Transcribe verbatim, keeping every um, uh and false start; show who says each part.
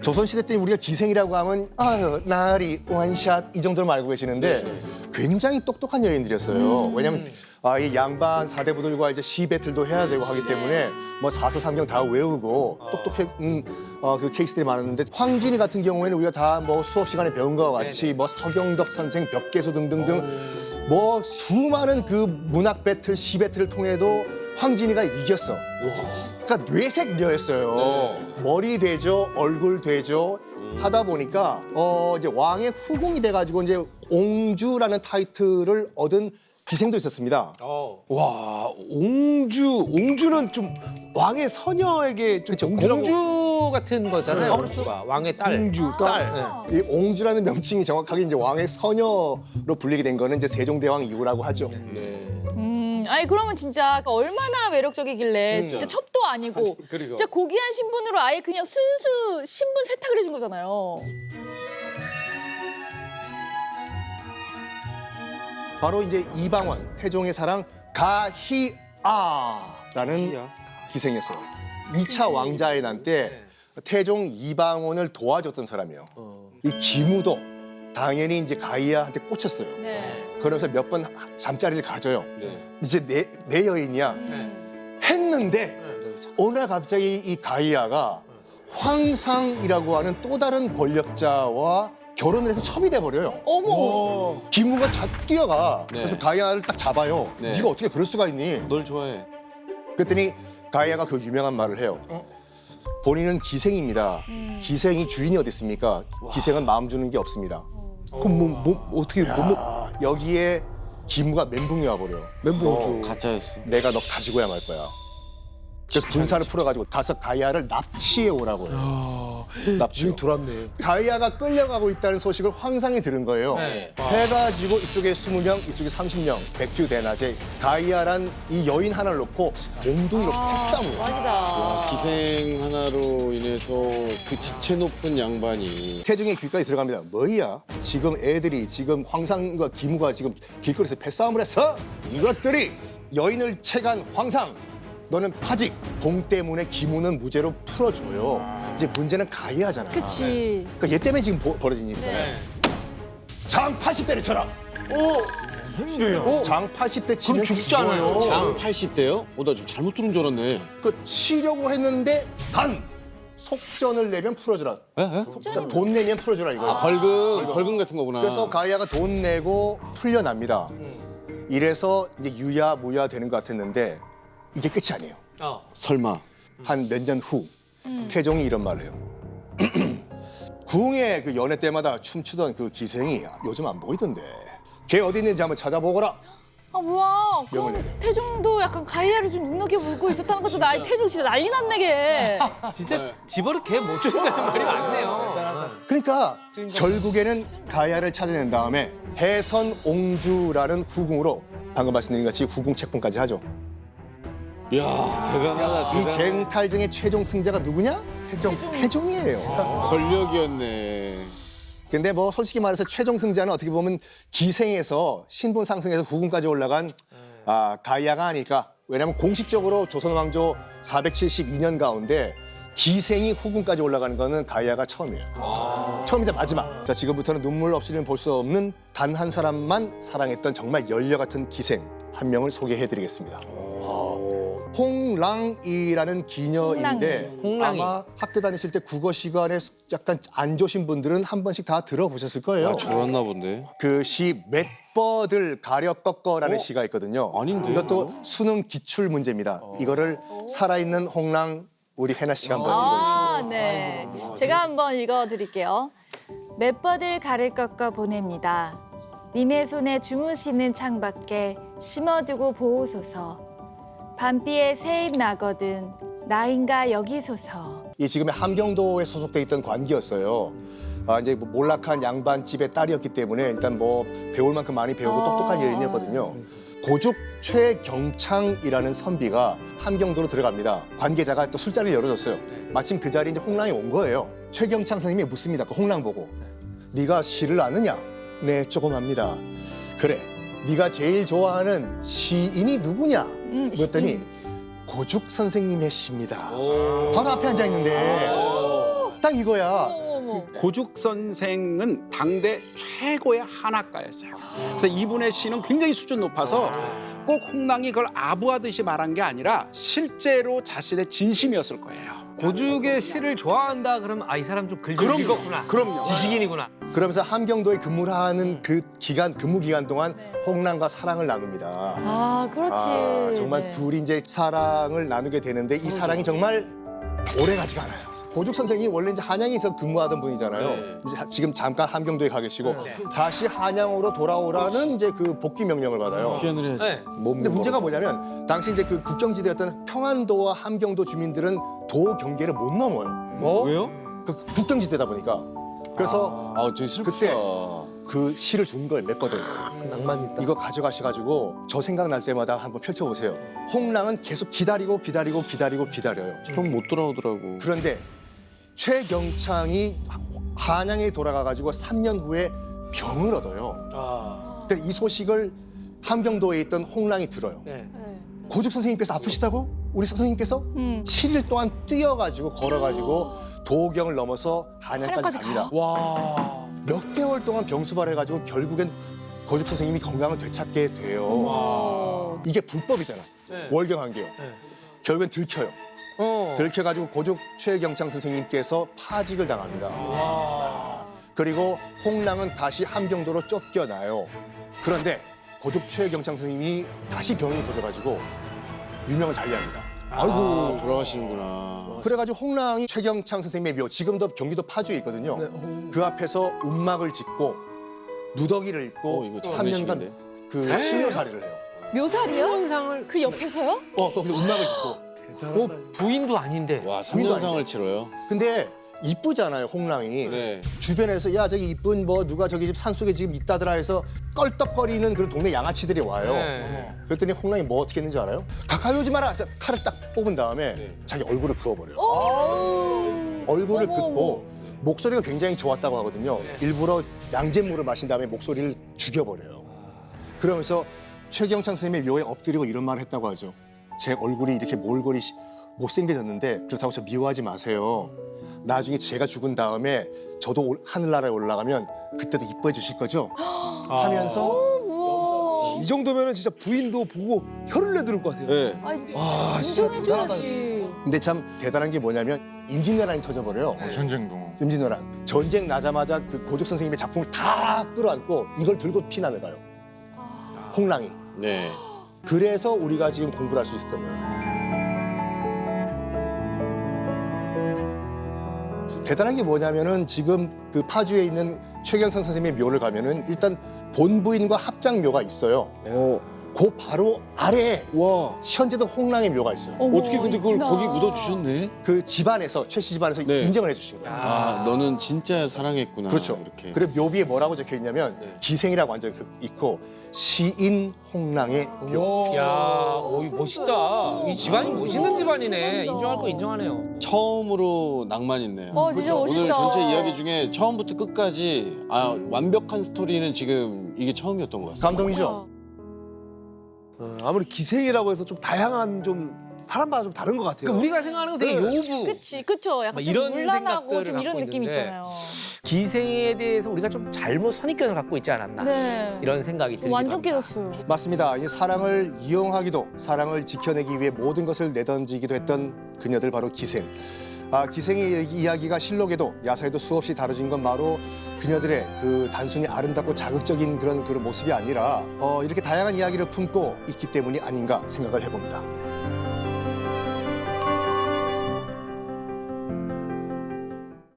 Speaker 1: 조선시대 때 우리가 기생이라고 하면 아유 나리 원샷 이 정도로 알고 계시는데
Speaker 2: 네.
Speaker 1: 굉장히 똑똑한 여인들이었어요. 왜냐하면 아, 이 양반 사대부들과 이제 시 배틀도 해야 되고 하기 때문에 뭐 사서삼경 다 외우고 똑똑해 음, 어, 그 케이스들이 많았는데 황진이 같은 경우에는 우리가 다 뭐 수업 시간에 배운 것과 같이 뭐 서경덕 선생, 벽계수 등등등 뭐 수많은 그 문학 배틀, 시 배틀을 통해도 황진이가 이겼어. 그러니까 뇌색녀였어요. 머리 되죠, 얼굴 되죠. 하다 보니까 어 이제 왕의 후궁이 돼가지고 이제 옹주라는 타이틀을 얻은 기생도 있었습니다.
Speaker 2: 와, 옹주, 옹주는 좀 왕의 서녀에게 좀
Speaker 3: 그렇죠.
Speaker 2: 옹주라고.
Speaker 3: 공주 같은 거잖아요.
Speaker 1: 아, 그렇죠.
Speaker 3: 공주가. 왕의 딸.
Speaker 2: 옹주, 딸.
Speaker 3: 네.
Speaker 1: 이 옹주라는 명칭이 정확하게 이제 왕의 서녀로 불리게 된 거는 이제 세종대왕 이후라고 하죠.
Speaker 4: 음, 아니 그러면 진짜 얼마나 매력적이길래 진짜, 첩도 아니고
Speaker 2: 그리고.
Speaker 4: 진짜 고귀한 신분으로 아예 그냥 순수 신분 세탁을 해준 거잖아요.
Speaker 1: 바로 이제 이방원, 태종의 사랑 가희아라는 기생이었어요. 이 차 왕자의 난 때 태종 이방원을 도와줬던 사람이에요. 이 기무도 당연히 이제 가희아한테 꽂혔어요.
Speaker 4: 네.
Speaker 1: 그러면서 몇 번 잠자리를 가져요.
Speaker 2: 네.
Speaker 1: 이제 내, 내 여인이야.
Speaker 4: 음.
Speaker 1: 했는데 어느 날 갑자기 이 가희아가 황상이라고 하는 또 다른 권력자와 결혼을 해서 첩이 돼버려요.
Speaker 4: 어머.
Speaker 1: 기무가 자 뛰어가.
Speaker 2: 네.
Speaker 1: 그래서 가희아를 딱 잡아요.
Speaker 2: 네.
Speaker 1: 네가 어떻게 그럴 수가 있니?
Speaker 2: 널 좋아해.
Speaker 1: 그랬더니 가희아가 그 유명한 말을 해요. 본인은 기생입니다. 기생이 주인이 어디 있습니까? 기생은 마음 주는 게 없습니다.
Speaker 2: 그럼 뭐, 뭐 어떻게 뭐, 뭐
Speaker 1: 아, 여기에 기무가 멘붕이 와버려.
Speaker 2: 멘붕이죠.
Speaker 5: 가짜였어.
Speaker 1: 내가 너 가지고야 말 거야. 그래서 군사를 풀어가지고 가서 가희아를 납치해 오라고 해요. 납치.
Speaker 2: 주인 돌았네.
Speaker 1: 가희아가 끌려가고 있다는 소식을 황상이 들은 거예요.
Speaker 3: 네.
Speaker 1: 해가지고 이쪽에 스무 명, 이쪽에 삼십 명, 백주대낮에 가희아란 이 여인 하나를 놓고 몽둥이로 패싸움을 해요.
Speaker 4: 대박이다.
Speaker 5: 기생 하나로 인해서 그 지체 높은 양반이
Speaker 1: 태종의 귓가에 들어갑니다. 뭐야? 지금 애들이 지금 황상과 기무가 지금 길거리에서 패싸움을 했어? 이것들이 여인을 채간 황상. 너는 파직. 공 때문에 기무는 무죄로 풀어줘요. 이제 문제는 가희아잖아.
Speaker 4: 그치.
Speaker 1: 그러니까 얘 때문에 지금 보- 벌어진 일이잖아요. 장 팔십 대를 쳐라.
Speaker 3: 무슨 일이야?
Speaker 1: 장 팔십 대 치면
Speaker 3: 그럼 죽잖아요.
Speaker 1: 죽어요.
Speaker 5: 장 팔십 대요? 어, 나 좀 잘못 들은 줄 알았네.
Speaker 1: 그 치려고 했는데 단 속전을 내면 풀어주라.
Speaker 5: 에? 에?
Speaker 1: 속전 돈 내면 풀어주라 이거예요.
Speaker 5: 아, 벌금, 벌금 같은 거구나.
Speaker 1: 그래서 가희아가 돈 내고 풀려납니다. 이래서 이제 유야 무야 되는 것 같았는데 이게 끝이 아니에요.
Speaker 3: 어.
Speaker 5: 설마.
Speaker 1: 한 몇 년 후 태종이 이런 말을 해요. 궁의 그 연회 때마다 춤추던 그 기생이 요즘 안 보이던데. 걔 어디 있는지 한번 찾아보거라.
Speaker 4: 아 뭐야?
Speaker 1: 명을
Speaker 4: 그럼
Speaker 1: 내려.
Speaker 4: 태종도 약간 가희아를 좀 눈높이보고 있었다는 것도 나 태종 진짜 난리 났네 걔.
Speaker 3: 진짜 집어를 개 못 쫓는다는 말이 많네요.
Speaker 1: 그러니까 결국에는 가야를 찾아낸 다음에 해선 옹주라는 후궁으로 방금 말씀드린 같이 후궁 책봉까지 하죠.
Speaker 5: 이야, 대단하다,
Speaker 1: 이
Speaker 5: 대단하다.
Speaker 1: 쟁탈전의 최종 승자가 누구냐? 태종. 태종이에요.
Speaker 5: 권력이었네.
Speaker 1: 근데 뭐 솔직히 말해서 최종 승자는 어떻게 보면 기생에서 신분 상승해서 후궁까지 올라간 아, 가야가 아닐까. 왜냐하면 공식적으로 조선 왕조 사백칠십이 년 가운데 기생이 후궁까지 올라가는 거는 가야가 처음이에요. 처음이자 마지막. 자, 지금부터는 눈물 없이는 볼 수 없는 단 한 사람만 사랑했던 정말 열녀 같은 기생 한 명을 소개해드리겠습니다. 홍랑이라는 기녀인데
Speaker 3: 홍랑이.
Speaker 1: 아마 학교 다니실 때 국어 시간에 약간 안 좋으신 분들은 한 번씩 다 들어보셨을 거예요.
Speaker 5: 아, 저랬나 본데.
Speaker 1: 그 시 맷버들 가려 꺾어라는 시가 있거든요.
Speaker 5: 아닌데요?
Speaker 1: 이것도 수능 기출 문제입니다. 이거를 살아있는 홍랑 우리 해나 씨가 한번
Speaker 4: 아,
Speaker 1: 읽어주시죠.
Speaker 4: 네. 제가 한번 읽어드릴게요. 맷버들 가를 꺾어 보냅니다. 님의 손에 주무시는 창밖에 심어두고 보호소서. 밤비에 새입 나거든 나인가 여기소서.
Speaker 1: 이 지금의 함경도에 소속돼 있던 관기였어요. 아, 이제 뭐 몰락한 양반집의 딸이었기 때문에 일단 뭐 배울 만큼 많이 배우고
Speaker 4: 아.
Speaker 1: 똑똑한 여인이었거든요. 고죽 최경창이라는 선비가 함경도로 들어갑니다. 관계자가 또 술자리를 열어줬어요. 마침 그 자리에 이제 홍랑이 온 거예요. 최경창 선생님이 묻습니다. 그 홍랑 보고. 네가 시를 아느냐? 네, 조금 압니다. 그래, 네가 제일 좋아하는 시인이 누구냐?
Speaker 4: 음,
Speaker 1: 그랬더니 고죽 선생님의 시입니다. 바로 앞에 앉아 있는데 딱 이거야.
Speaker 4: 어머.
Speaker 6: 고죽 선생은 당대 최고의 한학가였어요. 그래서 이분의 시는 굉장히 수준 높아서 꼭 홍랑이 그걸 아부하듯이 말한 게 아니라 실제로 자신의 진심이었을 거예요.
Speaker 3: 고죽의 시를 좋아한다 그러면 아 이 사람 좀 글 좀
Speaker 6: 그럼요.
Speaker 3: 읽었구나.
Speaker 6: 그럼요.
Speaker 3: 지식인이구나.
Speaker 1: 그러면서 함경도에 근무를 하는 그 기간 근무 기간 동안
Speaker 4: 네.
Speaker 1: 홍랑과 사랑을 나눕니다.
Speaker 4: 아, 그렇지.
Speaker 1: 아, 정말
Speaker 4: 네.
Speaker 1: 둘이 이제 사랑을 나누게 되는데 이 사랑이 정말 오래 가지가 않아요. 고죽 선생이 원래 이제 한양에서 근무하던 분이잖아요.
Speaker 5: 네.
Speaker 1: 이제 하- 지금 잠깐 함경도에 가 계시고
Speaker 3: 네.
Speaker 1: 다시 한양으로 돌아오라는 이제 그 복귀 명령을 받아요.
Speaker 5: 귀환을 해야지.
Speaker 3: 네.
Speaker 1: 근데 문제가 뭐냐면 당시 이제 그 국경지대였던 평안도와 함경도 주민들은 도 경계를 못 넘어요.
Speaker 3: 뭐?
Speaker 5: 왜요?
Speaker 1: 그 국경지대다 보니까. 그래서
Speaker 5: 아, 되게 슬프다.
Speaker 1: 그때 그 시를 준 걸 냈거든.
Speaker 2: 낭만 있다.
Speaker 1: 이거 가져가셔가지고 저 생각날 때마다 한번 펼쳐보세요. 홍랑은 계속 기다리고 기다리고 기다리고 기다려요.
Speaker 5: 그럼 못 돌아오더라고.
Speaker 1: 그런데 최경창이 한양에 돌아가가지고 삼 년 후에 병을 얻어요.
Speaker 2: 아.
Speaker 1: 그래서 이 소식을 함경도에 있던 홍랑이 들어요.
Speaker 3: 네.
Speaker 4: 네.
Speaker 1: 고죽 선생님께서 아프시다고? 우리 선생님께서?
Speaker 4: 음.
Speaker 1: 칠 일 동안 뛰어가지고 걸어가지고 도경을 넘어서 한양까지
Speaker 4: 한양까지
Speaker 1: 갑니다.
Speaker 2: 와.
Speaker 1: 몇 개월 동안 병수발해가지고 결국엔 고죽 선생님이 건강을 되찾게 돼요.
Speaker 4: 와.
Speaker 1: 이게 불법이잖아.
Speaker 3: 네.
Speaker 1: 월경한계요.
Speaker 3: 네.
Speaker 1: 결국엔 들켜요.
Speaker 3: 어.
Speaker 1: 들켜가지고 고죽 최경창 선생님께서 파직을 당합니다.
Speaker 3: 와.
Speaker 1: 그리고 홍랑은 다시 함경도로 쫓겨나요. 그런데 고죽 최경창 선생님이 다시 병이 도져가지고 유명을 달리합니다.
Speaker 5: 아이고, 아, 돌아가시는구나.
Speaker 1: 그래가지고 홍랑이 최경창 선생님의 묘, 지금도 경기도 파주에 있거든요.
Speaker 2: 네, 홍-
Speaker 1: 그 앞에서 음막을 짓고 누더기를 입고
Speaker 5: 어, 이거
Speaker 1: 삼 년간
Speaker 5: 장례식인데?
Speaker 1: 그 신묘살이를 해요.
Speaker 4: 묘살이요?
Speaker 3: 현상을
Speaker 4: 그 옆에서요?
Speaker 1: 어, 거기서 음막을 짓고.
Speaker 3: 어, 부인도 아닌데.
Speaker 5: 와,
Speaker 1: 부인도
Speaker 5: 삼 년상을 치러요?
Speaker 1: 근데 이쁘잖아요, 홍랑이.
Speaker 5: 네.
Speaker 1: 주변에서 야 저기 이쁜 뭐 누가 저기 집 산속에 지금 있다더라 해서 껄떡거리는 그런 동네 양아치들이 와요.
Speaker 3: 네.
Speaker 1: 그랬더니 홍랑이 뭐 어떻게 했는지 알아요? 가까이 오지 마라. 그래서 칼을 딱 뽑은 다음에
Speaker 5: 네.
Speaker 1: 자기 얼굴을 그어버려요.
Speaker 4: 오.
Speaker 1: 얼굴을
Speaker 4: 어머,
Speaker 1: 긋고 목소리가 굉장히 좋았다고 하거든요. 일부러 양잿물을 마신 다음에 목소리를 죽여버려요. 그러면서 최경창 선생님의 묘에 엎드리고 이런 말을 했다고 하죠. 제 얼굴이 이렇게 몰골이 시- 못생겨졌는데 그렇다고 저 미워하지 마세요. 나중에 제가 죽은 다음에 저도 올- 하늘나라에 올라가면 그때도 이뻐해 주실 거죠? 하면서
Speaker 4: 우와.
Speaker 2: 이 정도면은 진짜 부인도 보고 혀를 내두를 것 같아요.
Speaker 5: 네.
Speaker 4: 아이,
Speaker 2: 와, 진짜
Speaker 4: 인정해줘야지.
Speaker 1: 근데 참 대단한 게 뭐냐면 임진왜란이 터져버려요.
Speaker 7: 전쟁도.
Speaker 1: 임진왜란. 전쟁 나자마자 그 고죽 선생님의 작품을 다 끌어안고 이걸 들고 피난을 가요. 홍랑이.
Speaker 5: 네.
Speaker 1: 그래서 우리가 지금 공부를 할 수 있었던 거예요. 대단한 게 뭐냐면은 지금 그 파주에 있는 최경선 선생님의 묘를 가면은 일단 본부인과 합장묘가 있어요.
Speaker 5: 어,
Speaker 1: 그 바로 아래에
Speaker 5: 와.
Speaker 1: 현재도 홍랑의 묘가 있어요.
Speaker 4: 어머,
Speaker 5: 어떻게 근데 그걸
Speaker 4: 있구나.
Speaker 5: 거기 묻어주셨네?
Speaker 1: 그 집안에서 최 씨 집안에서
Speaker 5: 네.
Speaker 1: 인정을 해주신 거예요.
Speaker 5: 아, 너는 진짜 사랑했구나.
Speaker 1: 그렇죠.
Speaker 5: 이렇게.
Speaker 1: 그리고 묘비에 뭐라고 적혀 있냐면
Speaker 5: 네.
Speaker 1: 기생이라고 앉아 있고 시인 홍랑의 묘.
Speaker 3: 야, 오, 이 멋있다. 이 집안이 멋있는 집안이네. 인정할 거 인정하네요.
Speaker 5: 처음으로 낭만 있네요.
Speaker 4: 어, 진짜
Speaker 5: 오늘
Speaker 4: 멋있다.
Speaker 5: 전체 이야기 중에 처음부터 끝까지 아, 완벽한 스토리는 지금 이게 처음이었던 것 같습니다.
Speaker 1: 감동이죠.
Speaker 2: 어, 아무리 기생이라고 해서 좀 다양한 좀 사람마다 좀 다른 것 같아요.
Speaker 3: 그러니까 우리가 생각하는 건 되게
Speaker 2: 네.
Speaker 3: 요부.
Speaker 4: 그치, 그쵸. 약간
Speaker 3: 막
Speaker 4: 좀
Speaker 3: 이런
Speaker 4: 물란하고
Speaker 3: 생각들을
Speaker 4: 좀 이런
Speaker 3: 갖고
Speaker 4: 느낌
Speaker 3: 있는데.
Speaker 4: 있잖아요.
Speaker 3: 기생에 대해서 우리가 좀 잘못 선입견을 갖고 있지 않았나.
Speaker 4: 네.
Speaker 3: 이런 생각이 들기도
Speaker 4: 완전
Speaker 3: 합니다.
Speaker 4: 깨졌어요.
Speaker 1: 맞습니다. 이 사랑을 이용하기도 사랑을 지켜내기 위해 모든 것을 내던지기도 했던 그녀들 바로 기생. 아, 기생의 이야기가 실록에도 야사에도 수없이 다뤄진 건 바로 그녀들의 그 단순히 아름답고 자극적인 그런 그런 모습이 아니라 어, 이렇게 다양한 이야기를 품고 있기 때문이 아닌가 생각을 해봅니다.